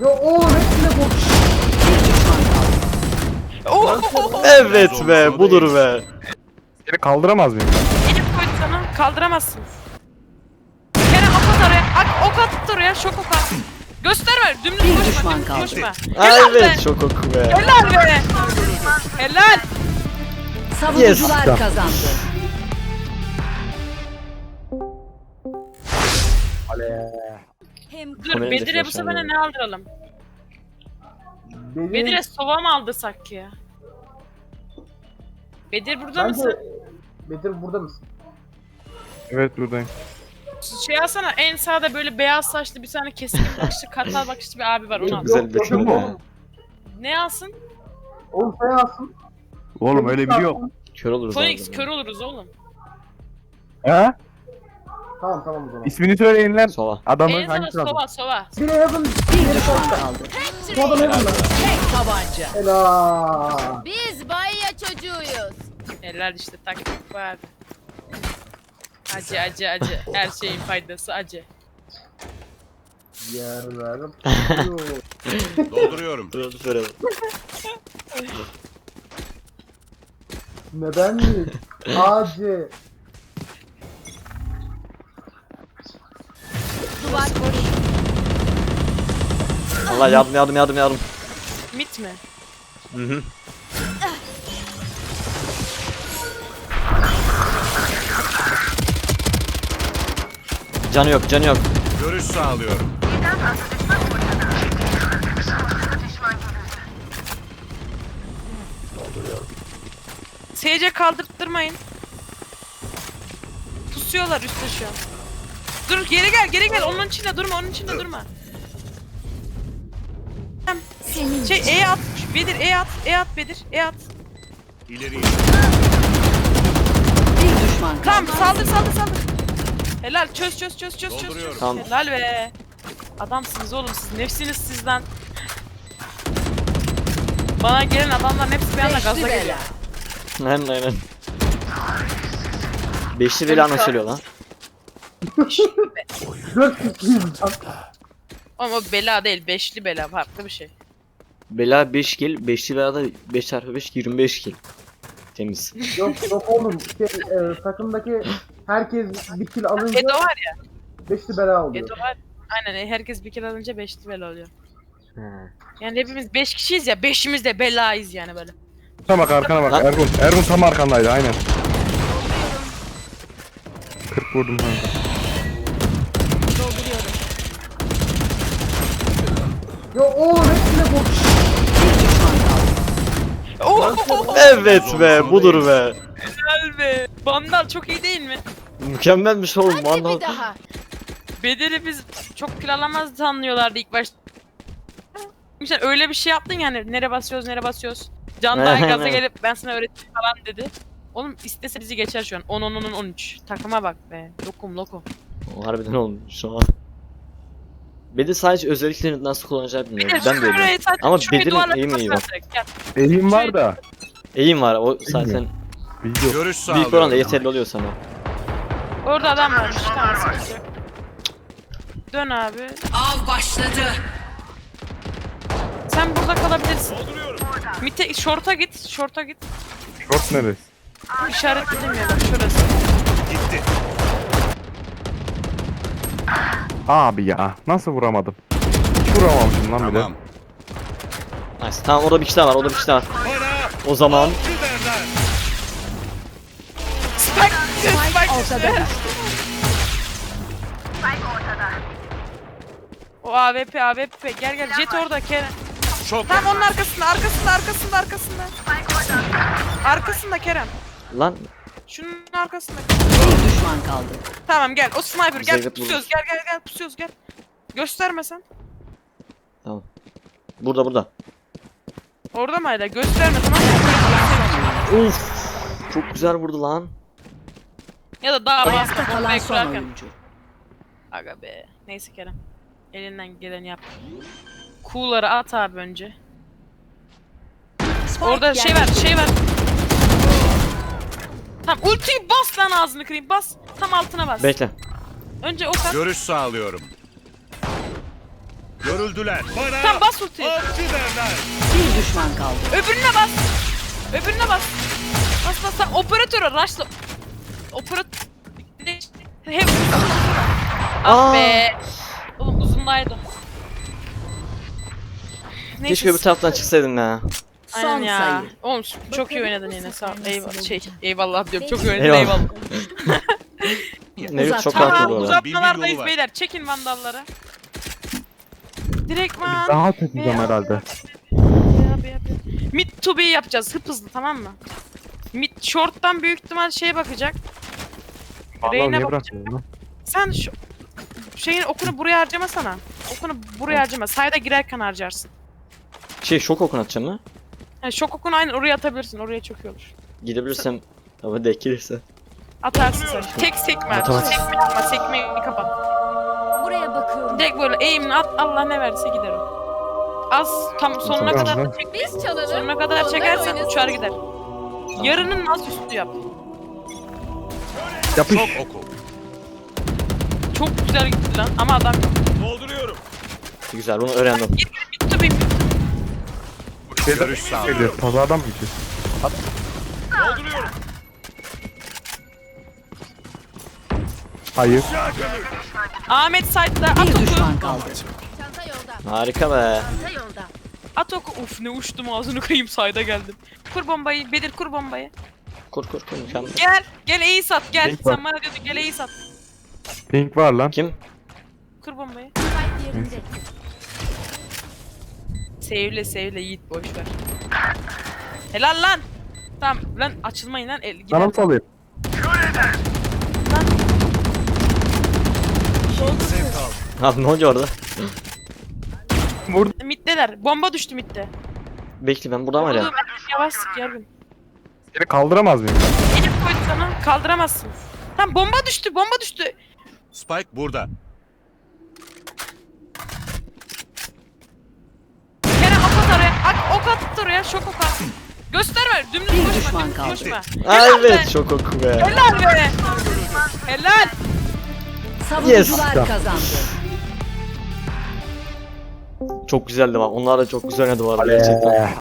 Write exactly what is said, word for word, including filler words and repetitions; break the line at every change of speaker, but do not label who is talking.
Ya oğlum hepsine vur.
Evet be, budur be.
Seni kaldıramaz mıyım ben?
Elif koydu sana. Kaldıramazsın. Kerem ok at oraya. Ak, ok at oraya. Şok ok at. Gösterme. Dümdüz koşma. Dümdüz koşma.
Aa,
Helal be.
evet, çok oku be.
Helal be. Helal.
Savunucular
Yes.
kazandı.
Dur
Kamerayı
Bedir'e bu
defter
sefer
sen
ne aldıralım?
Benim
Bedir'e sova mı aldırsak ki ya? Bedir burada
Bence-
mısın?
Bedir burada mısın?
Evet buradayım.
Şey alsana, en sağda böyle beyaz saçlı bir tane keskin bakışlı kartal bakışlı bir abi var, onu
Çok
al.
güzel bir
Yok, yok,
be.
oğlum.
Ne alsın?
Oğlum sen alsın.
Oğlum öyle biri yok.
Kör oluruz
Phoenix,
abi.
kör oluruz oğlum.
He?
Tamam tamam o zaman.
İsmini söyleyin lan.
Sova.
Adamın
En sağda
hangisi lazım?
sova sova.
Bire yazın.
Bir düşman kaldı.
Soda ne bunlar?
Tek tabanca.
Helal.
Biz Bayya çocuğuyuz.
Helal işte, taktik var. Acı acı acı. Her şeyin faydası acı.
Yerlerim.
Dolduruyorum.
Dur dur söyle.
Neden mi? Acı.
Duvar boş.
Allah yardım yardım yardım yardım.
Mit mi?
Hı hı. Canı yok, canı yok.
Görüş sağlıyorum.
S C kaldırttırmayın. Pusuyorlar üstte şu an. Dur geri gel geri gel, onun içinde durma, onun içinde durma.
Senin
Şey E at, Bedir E at, E at Bedir, E at.
İleri.
Bir düşman kaldı.
Tamam saldır saldır saldır. Helal, çöz çöz çöz çöz çöz çöz.
Dolduruyorum.
Tamam.
Helal be. Adamsınız oğlum siz, nefsiniz sizden. Bana gelen adamların hepsi bir anda gaza
Beşli
geliyor.
bela.
Aynen aynen. Beşli bela nasıl söylüyor lan?
Dört kişiyiz lan.
Ama o bela değil, beşli bela, farklı bir şey.
Bela beş kill, beşli bela da beş çarpı beş yirmi beş kill. Temiz.
Yok yok oğlum. Şey, e, takımdaki herkes bir kill alınca
Edo var ya,
beşli bela oluyor.
Edo var. Aynen, herkes bir kere alınca beşli bela oluyor. Yani hepimiz beş kişiyiz ya, beşimiz de belayız yani böyle.
Tam bak arkana bak
Lan.
Ergun. Ergun tam arkandaydı aynen. kırk vurdum kanka.
dolduruyorum.
Ya oğlum hepsine vur.
Bir düşman kaldı.
Oh,
Evet be, budur be.
helal be. Vandal çok iyi değil mi?
Mükemmelmiş oğlum
Hadi
vallahi.
bir daha.
Bedel'i biz çok kill alamaz sanıyorlardı ilk başta. Sen öyle bir şey yaptın yani, nere basıyoruz nere basıyoruz. Can daha gaza gelip ben sana öğrettim falan dedi. Oğlum istese bizi geçer şu an. on on on on üç. Takıma bak be. Lokum lokum.
O harbiden olmuş şu an. Bedir sadece özelliklerini nasıl kullanacağı bilmiyorum. Ben de öyle.
Şurayı sadece-
Ama
şurayı
Bedir'in
duvarla
eğimi iyi
kapatsan
bak.
direkt, gel.
Elim var da.
Eğim var o zaten
Bilgi yok.
Görüş sağlıyorum.
büyük oranda yeterli oluyor sana.
Orada adam varmış. Tamam, sıkıntı yok. Dön abi.
Av başladı.
Sen burada kalabilirsin. Mite, short'a git, short'a git.
Short neresi?
İşaretledim ya bak, şurası.
Gitti.
Abi ya nasıl vuramadım? Hiç vuramamışım lan bir de.
Tamam.
Nice. Tamam orada bir kişi daha var, orada bir kişi daha var.
Bana
O zaman
avcı derler.
Spike, Spike
Ortada düştü.
O A W P, A W P. Gel gel, Jet orada Kerem.
Çok
Tam onun arkasında, arkasında, arkasında, arkasında. Arkasında Kerem.
lan
Şunun arkasında.
Bir düşman kaldı.
Tamam gel, o sniper gel,
Zeynep
pusuyoruz, gel gel gel, pusuyoruz gel. Gösterme sen.
burada burada.
Orada mı hala? Gösterme tamam mı?
Uf. Çok güzel vurdu lan.
Ya da daha
Ayakta
bastı,
kalan
bombayı
son
kurarken.
oyuncu.
Aga be. Neyse Kerem. Elinden geleni yap. Kuğuları at abi önce.
Spike
Orada şey var,
yerleştirildi.
şey var. Tamam, ultiyi bas lan, ağzını kırayım, bas. Tam altına bas.
Bekle.
Önce o kat.
Görüş sağlıyorum. Görüldüler. Bana
Tamam bas ultiyi.
avcı derler.
Bir düşman kaldı.
Öbürüne bas. Öbürüne bas. Bas bas sen operatörü rushla. Operatör... Hep... Ah
Aa.
be. Oğlum uzundaydı.
Keşke öbür taraftan çıksaydım ya.
Aynen
Son
ya.
sayı.
Oğlum çok iyi oynadın yine sağ ol. Eyvallah. Şey eyvallah diyorum. Çok iyi oynadın
Eyvallah.
eyvallah.
Mevlüt
Uzat.
çok
Tamam
haklı bu arada.
uzatmalardayız
Bir yolu var.
beyler. Çekin vandalları. Direktman.
Daha çekeceğim herhalde.
Yap, yap, yap. Mid to B yapacağız hıp hızlı tamam mı? Mid short'tan büyük ihtimal şeye bakacak.
Vallahi
Reyna
niye
bakacak.
bırakmıyorsun lan?
Sen şu şeyin okunu buraya harcamasana. Okunu buraya harcama. Sayda girerken harcarsın.
Şey şok okun atacağım mı?
Yani şok okunu aynen oraya atabilirsin. Oraya çok iyi olur.
Gidebilirsem. Ama denk gelirse.
Atarsın sen. Tek sekme.
Tamam.
Sekme yapma. Sekmeyi kapat.
Buraya bakıyorum.
Direkt böyle eğimini at. Allah ne verirse gider o. Az tam sonuna
Tamam,
kadar
tamam.
da çek.
Biz çalalım.
Sonuna kadar
onlar
çekersen
oynasın.
uçar gider. Yarının az üstü yap.
Yapış.
Çok oku.
Çok güzel gitti lan ama adam yok.
Dolduruyorum.
Güzel bunu öğrendim.
Bitti bir
Görüş sağlıyorum.
Geliyor. Pazardan mı gideceğiz?
Dolduruyorum.
Hayır.
Ahmet Said'de at
Bir
oku.
düşman kaldı.
Çanta yolda.
Harika be.
Çanta yolda.
At oku. Uf ne uçtum ağzını kırayım Said'e geldim. Kur bombayı. Bedir kur bombayı.
Kur kur kur mükemmel.
Gel. Gel iyi sat gel.
Pink var.
Sen bana diyordun gel iyi sat.
Pink var lan.
Kim?
Kur bombayı.
Kalp yerinde.
Sevle sevle Yiğit boş ver. Helal lan. Tamam lan açılmayın lan. El, gider.
Sana mı salayım?
Abi ne oluyor orada?
Middeler. Bomba düştü midde.
Bekle ben buradan var ya.
Oğlum, yavaş sık yardım.
Seni kaldıramaz mıyım ben?
Elif koydu sana. Kaldıramazsın. Tamam bomba düştü. Bomba düştü.
Spike burada.
Kerem ok at oraya. Ak, ok at oraya. Şok ok at. Gösterme. Dümdüz
Bir
koşma.
düşman
Dümdüz
kaldı.
koşma.
Aa,
Helal
evet
be.
çok oku be.
Helal be. Helal.
Savunucular
Yes.
kazandı.
Çok güzeldi bak. Onlar da çok güzel oynadı bu arada gerçekten.